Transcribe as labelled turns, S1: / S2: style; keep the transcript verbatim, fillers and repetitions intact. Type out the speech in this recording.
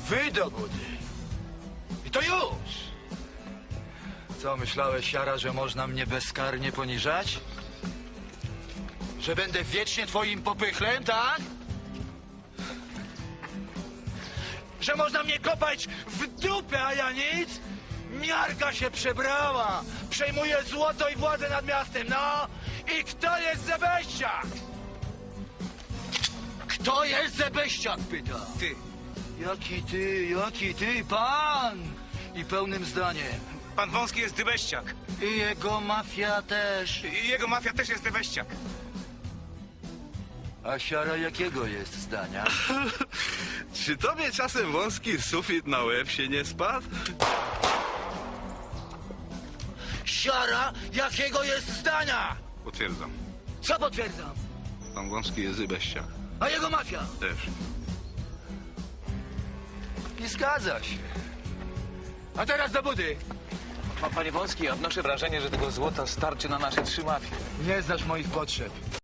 S1: Wy do budy. I to już. Co, myślałeś, Siara, że można mnie bezkarnie poniżać? Że będę wiecznie twoim popychlem, tak? Że można mnie kopać w dupę, a ja nic? Miarka się przebrała. Przejmuje złoto i władzę nad miastem, no. I kto jest Zebeściak? Kto jest Zebeściak, pyta.
S2: Ty.
S1: Jaki ty, jaki ty, pan? I pełnym zdaniem.
S2: Pan Wąski jest dybeściak.
S1: I jego mafia też.
S2: I jego mafia też jest dybeściak.
S1: A Siara jakiego jest zdania?
S3: Czy tobie czasem wąski sufit na łeb się nie spadł?
S1: Siara jakiego jest zdania?
S3: Potwierdzam.
S1: Co potwierdzam?
S3: Pan wąski jest dybeściak.
S1: A jego mafia?
S3: Też.
S1: Nie zgadza się. A teraz do budy.
S4: Ma panie Wąski, ja odnoszę wrażenie, że tego złota starczy na nasze trzy mafie.
S1: Nie znasz moich potrzeb.